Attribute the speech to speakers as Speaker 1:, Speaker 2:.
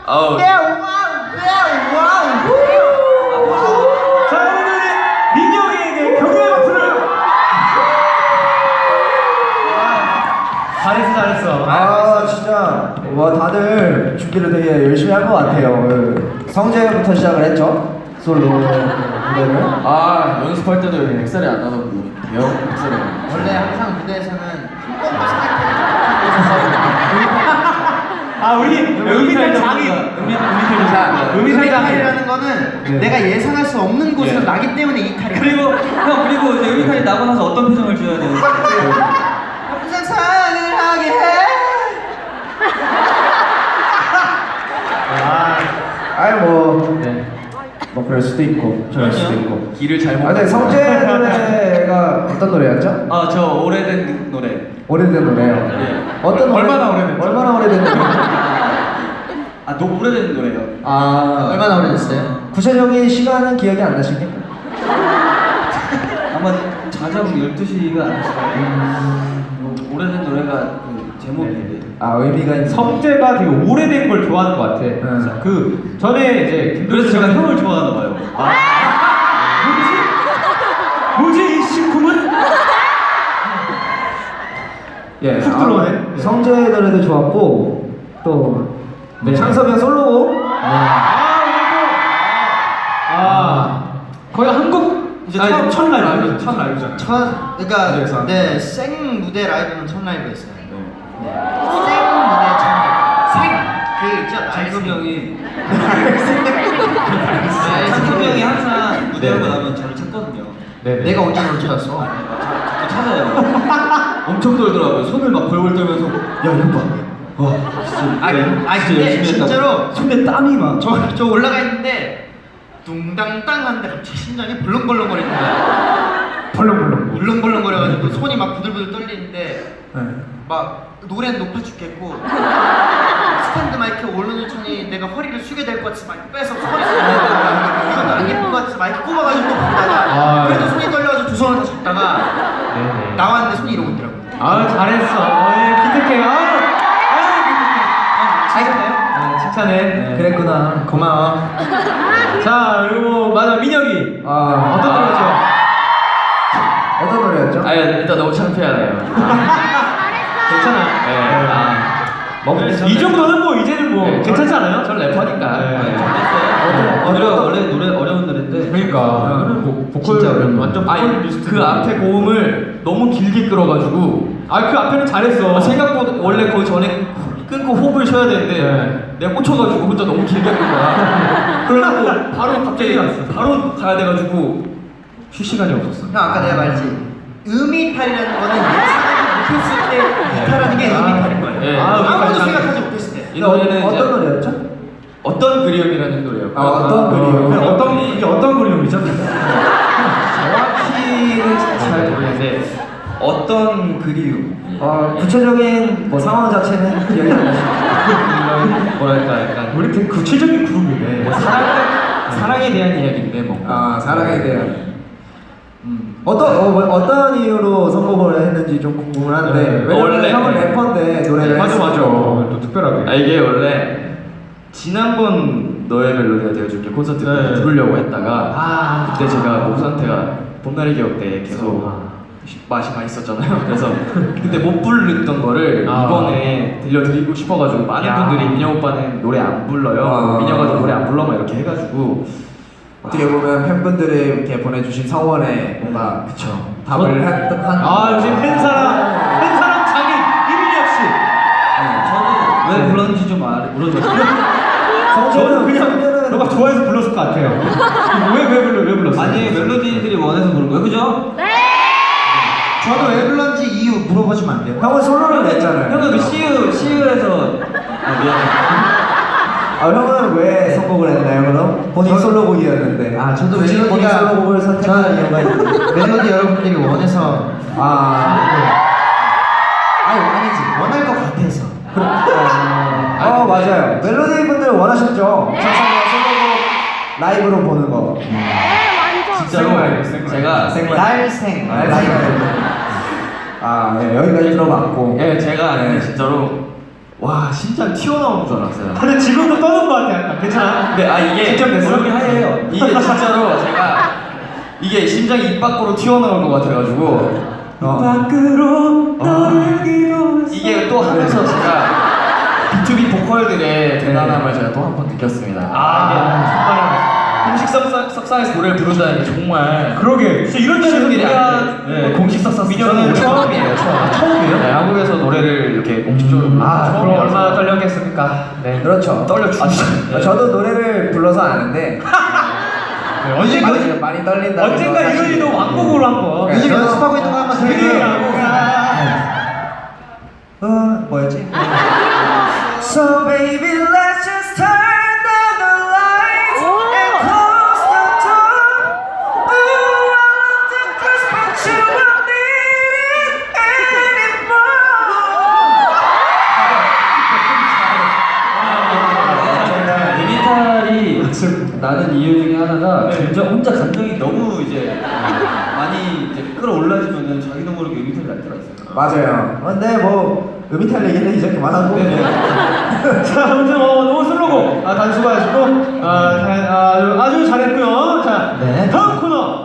Speaker 1: 아우.
Speaker 2: 자, 오늘 민혁이에게 격려의 박수를. 잘했어.
Speaker 3: 아 진짜 와 다들 준비를 되게 열심히 한 것 같아요. 성재부터 시작을 했죠. 솔로 무대를.
Speaker 1: 아 연습할 때도 엑셀이 안 나던 대형 엑셀이.
Speaker 4: 원래 항상 무대에서는 한 번도
Speaker 2: 우리 음이탈 장이
Speaker 4: 음이탈이라는 거는
Speaker 2: 네.
Speaker 4: 내가 예상할 수 없는 곳에서 나기 때문에 이탈이야.
Speaker 5: 그리고 이제 음이탈이 나고 나서 어떤 표정을 지어야 돼요?
Speaker 4: 항상 사랑을 하게 해.
Speaker 3: 뭐 그럴 수도 있고 저럴 수도 있고.
Speaker 1: 길을 잘못.
Speaker 3: 근데 성재 노래가 어떤 노래였죠?
Speaker 5: 저 오래된 노래.
Speaker 3: 오래된 노래요.
Speaker 5: 네.
Speaker 3: 어떤 노래?
Speaker 2: 얼마나 오래됐죠?
Speaker 3: 얼마나 오래된 노래?
Speaker 5: 너무 오래된 노래예요.
Speaker 4: 얼마나 오래됐어요?
Speaker 3: 구체적인 시간은 기억이 안 나십니까?
Speaker 5: 아마 자정 12시가 아니었어요. 오래된 노래가 그 제목인데.
Speaker 3: 의미가 있는.
Speaker 2: 성재가 되게 오래된 걸 좋아하는 것 같아. 그 전에 이제
Speaker 5: 그래서 제가 형을 좋아하나 봐요.
Speaker 2: 뭐지 이 식품은?
Speaker 3: 예,
Speaker 2: 훅 들어오네.
Speaker 3: 성재 노래도 좋았고 또
Speaker 2: 네.
Speaker 3: 창섭이 형 솔로곡.
Speaker 2: 거의 한국
Speaker 5: 이제
Speaker 2: 첫 라이브.
Speaker 4: 그러니까 네, 생 무대 라이브는 첫 라이브였어요. 생 무대 첫 라이브. 그 있죠.
Speaker 5: 창섭이 형이 창섭이 형이 항상 무대하고 나면 저를 찾거든요.
Speaker 4: 내가 언제 너를 찾았어?
Speaker 5: 자꾸 찾아요. 엄청 떨더라고요. 손을 막 벌벌 떨면서 야 이거 봐. 와 진짜
Speaker 4: 근데 진짜로
Speaker 5: 손에 땀이 막.
Speaker 4: 저 올라가 있는데 둥당땅 하는데 갑자기 심장이 벌렁벌렁거리는 거야. 벌렁벌렁거려가지고 손이 막 부들부들 떨리는데 막 노래는 높아 죽겠고 스탠드 마이크 오르는 천이 내가 허리를 숙게 될 것 같아서 막 빼서 허리 숙이고 이것도 안 예쁜 것 같아서 마이크 꼽아가지고 또 부르다가 그래도 손이 떨려가지고 두 손을 다 잡다가 나왔는데 손이 이러고 있더라고.
Speaker 2: 잘했어. 기특해. 칭찬해.
Speaker 3: 그랬구나. 고마워.
Speaker 2: 자 그리고 맞아 민혁이. 어떤 노래죠?
Speaker 3: 어떤 노래였죠?
Speaker 1: 일단 너무 창피하네요.
Speaker 2: 괜찮아. 이 정도는 뭐 이제는 뭐 괜찮지 않아요?
Speaker 1: 전 래퍼니까.
Speaker 5: 원래 노래 어려운 노래인데.
Speaker 2: 그러니까 이거는 뭐 보컬
Speaker 1: 진짜 어려운
Speaker 2: 완전
Speaker 1: 아니
Speaker 2: 보컬 리스트.
Speaker 1: 그 앞에 고음을 너무 길게 끌어가지고
Speaker 2: 그 앞에는 잘했어.
Speaker 1: 생각보다 원래 거기 전에 끊고 호흡을 쉬어야 되는데 내가 꽂혀가지고 혼자 너무 길게 끈 거야. 그러고 바로 갑자기 바로 가야 돼가지고 쉴 시간이 없었어.
Speaker 4: 형 아까 내가 말했지 음이탈이라는 거는 예상하지 못했을 때 이탈하는 게 음이탈인 거예요. 아무도 생각하지 못했을 때.
Speaker 1: 이 노래는
Speaker 3: 어떤 노래였죠?
Speaker 1: 어떤 그리움이라는 노래였고.
Speaker 3: 어떤 그리움?
Speaker 2: 이게 어떤 그림이죠?
Speaker 1: 정확히는 잘 모르겠는데 어떤 그리움.
Speaker 3: 구체적인 뭐 상황 자체는 기억이 안 나시죠?
Speaker 1: 뭐랄까 약간
Speaker 2: 우리 되게 구체적인 그룹이네.
Speaker 1: 사랑에 대한 이야기인데 뭔가.
Speaker 3: 사랑에 대한. 어떤 이유로 선곡을 했는지 좀 궁금한데 왜냐면
Speaker 1: 원래
Speaker 3: 형은 래퍼인데 노래를
Speaker 2: 맞아.
Speaker 3: 했으니까.
Speaker 2: 또 특별하게.
Speaker 1: 이게 원래 지난번 너의 멜로디가 되어줄게 콘서트 때 부르려고 했다가 그때 제가 몸 상태가 봄날의 기억 때 계속 맛이 맛있었잖아요. 그래서 그때 못 부르던 거를 이번에 들려드리고 싶어가지고 많은 분들이 민혁 오빠는 노래 안 불러요. 민혁아 너 노래 안 불러 막 이렇게 해가지고
Speaker 3: 어떻게 보면 팬분들이 이렇게 보내주신 성원에 뭔가 답을 한.
Speaker 2: 역시 팬사랑 장인 이민혁 씨.
Speaker 5: 저는 왜 불렀는지 좀 물어줘요.
Speaker 2: 저는 그냥 너가 좋아해서 불렀을 것 같아요. 왜 불렀어?
Speaker 5: 아니 멜로디들이 원해서 부른 거예요, 그죠?
Speaker 4: 저도 왜 불렀는지 이유 물어보시면 안 돼요?
Speaker 3: 형은 솔로를 냈잖아요.
Speaker 5: 형은 그 CU에서 미안해.
Speaker 3: 형은 왜 선곡을 했나요 그럼? 본인 솔로곡이었는데.
Speaker 4: 저도
Speaker 3: 굳이 본인
Speaker 4: 멜로디가-
Speaker 3: 솔로곡을 선택한 이유가 있는데.
Speaker 4: 멜로디 여러분들이 원해서 아니지 원할 것 같아서.
Speaker 3: 맞아요. 멜로디 분들 원하셨죠? 창섭이가 솔로곡 라이브로 보는 거.
Speaker 1: 진짜로 제가
Speaker 4: 날생
Speaker 3: 여기까지 들어봤고.
Speaker 1: 제가 진짜로 와 심장 튀어나오는 줄 알았어요.
Speaker 2: 근데 지금도 떠는 것 같아 약간. 괜찮아?
Speaker 1: 근데 이게
Speaker 2: 직접 냈어?
Speaker 1: 얼굴이 하얘요. 이게 진짜로 제가 이게 심장이 입 밖으로 튀어나올 것 같아가지고
Speaker 2: 밖으로 떠나기도
Speaker 1: 이게 또 하면서 제가 B2B 보컬들의 대단함을 제가 또 한 번 느꼈습니다.
Speaker 2: 정말
Speaker 1: 공식 석상에서 노래를 부른다는 게 정말
Speaker 2: 그러게. 진짜 이런 데서
Speaker 1: 쉬운 일이
Speaker 2: 우리가
Speaker 1: 아닌데 공식 석상
Speaker 2: 민혁은
Speaker 1: 처음이에요.
Speaker 2: 처음이에요?
Speaker 1: 네, 한국에서 노래를 이렇게 공식적으로
Speaker 2: 그럼
Speaker 1: 처음이라서.
Speaker 2: 얼마나 떨렸겠습니까? 네.
Speaker 3: 그렇죠.
Speaker 1: 떨려 죽지.
Speaker 3: 저도 노래를 불러서 아는데 많이 떨린다.
Speaker 2: 언젠가 이현이도 왕곡으로 한번
Speaker 3: 네,
Speaker 4: 요즘
Speaker 3: 저도-
Speaker 4: 연습하고 있는 거 한번 들려줘요.
Speaker 3: 뭐였지? So baby let's just turn down the lights and close the door. Ooh, I love the cruise, but you won't need it
Speaker 5: 리미탈이 나는 이유 중에 하나가 혼자 감정이 너무 이제 많이 이제 끌어올라지면은 자기도 모르게 리미탈이 날 때가 있어요.
Speaker 3: 맞아요. 근데 뭐 음이탈 얘기는 이제 그만하고.
Speaker 2: 자, 아무튼 너무 슬로고 단수고하시고 아주 잘했고요. 자,
Speaker 3: 네.
Speaker 2: 다음